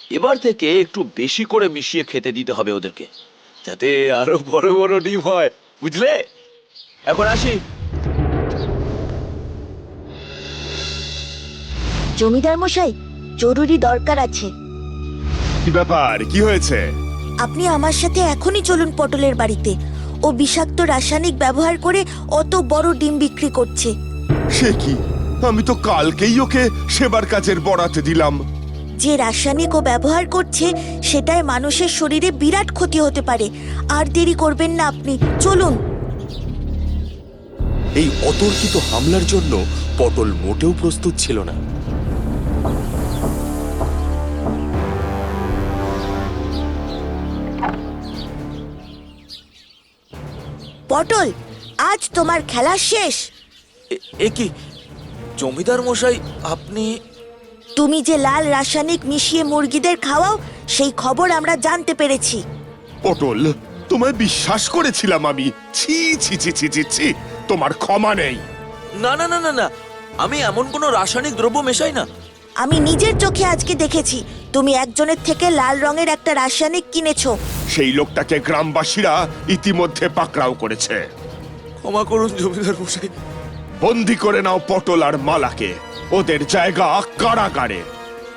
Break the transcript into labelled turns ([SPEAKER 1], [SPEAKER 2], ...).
[SPEAKER 1] এবার থেকে একটু বেশি করে মিশিয়ে খেতে দিতে হবে ওদেরকে, যাতে আরো বড় বড় ডিম হয়, বুঝলে? এখন আসি।
[SPEAKER 2] জমিদার মশাই, জরুরি দরকার আছে।
[SPEAKER 3] কি ব্যাপার, কি হয়েছে?
[SPEAKER 2] আপনি আমার সাথে এখনই চলুন পটলের বাড়িতে। ও বিষাক্ত রাসায়নিক ব্যবহার করে অত বড় ডিম বিক্রি করছে।
[SPEAKER 3] সে কি? আমি তো কালকেই ওকে সেবার কাজের বরাত দিলাম।
[SPEAKER 2] যে রাসায়নিক ও ব্যবহার করছে সেটাই মানুষের শরীরে বিরাট ক্ষতি হতে পারে। আর দেরি করবেন না আপনি, চলুন।
[SPEAKER 4] এই অতর্কিত হামলার জন্য পটল মোটেও প্রস্তুত ছিল না।
[SPEAKER 2] পটল, আজ তোমার খেলা শেষ।
[SPEAKER 5] এ কি জমিদার মশাই, আপনি?
[SPEAKER 2] তুমি যে লাল রাসায়নিক মিশিয়ে মুরগিদের খাওয়াও, সেই খবর আমরা জানতে পেরেছি।
[SPEAKER 3] পটল, তোমায় বিশ্বাস করেছিলাম আমি। ছি ছি ছি ছি ছি ছি, তোমার ক্ষমা নেই।
[SPEAKER 5] না না না না না, আমি এমন কোনো রাসায়নিক দ্রব্য মেশাই না।
[SPEAKER 2] আমি নিজের চোখে আজকে দেখেছি তুমি একজনের থেকে লাল রঙের একটা রাসায়নিক কিনেছো।
[SPEAKER 3] সেই লোকটাকে গ্রামবাসীরা ইতিমধ্যে পাকড়াও করেছে।
[SPEAKER 5] ক্ষমা করুন জমিদার মশাই।
[SPEAKER 3] বন্দি করে নাও পটল আর মালাকে। ওদের জায়গা কারাগারে।